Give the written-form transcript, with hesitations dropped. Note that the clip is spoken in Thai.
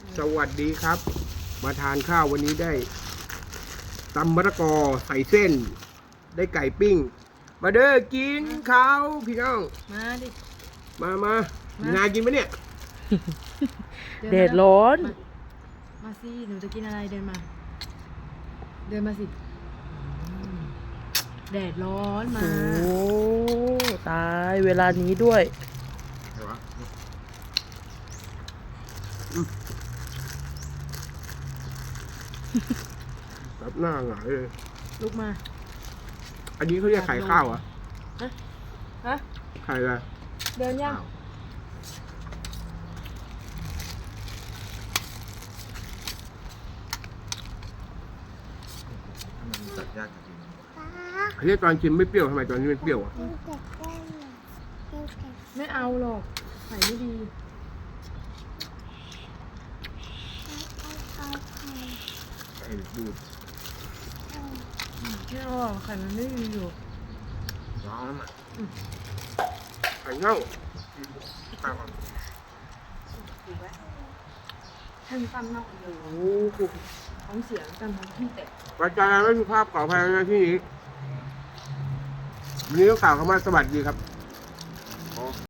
สวัสดีครับ มาทานข้าววันนี้ได้ตำมะละกอใส่เส้น ได้ไก่ปิ้ง มาเด้อกินข้าวพี่น้องมาดิมานากินไหมเนี่ยนแดมาดร้อนมาสิหนูจะกินอะไรเดินมา เดินมาสิแดดร้อนมาโอ้ตายเวลานี้ด้วยรับหน้าหงายเลยลุกมาอันนี้เขาเรียกไข่ข้าวเหรอ่ะฮะไข่อะไรเดินยังตัดยากจริงอันนี้ตอนชิมไม่เปรี้ยวทำไมตอนนี้มันเปรี้ยวอ่ะไม่เอาหรอกไข่ไม่ดีไอ้ดูดไม่เอาหรอกไข่มันไม่ดีอยู่ร้อนอ่ะไข่เน่าให้มันตั้มนอกอยู่โอ้โหท้องเสียกันท้องที่แตกวาจาไม่สุภาพขออภัยนะที่นี้วันนี้ต้องกล่าวคำว่าสวัสดีครับ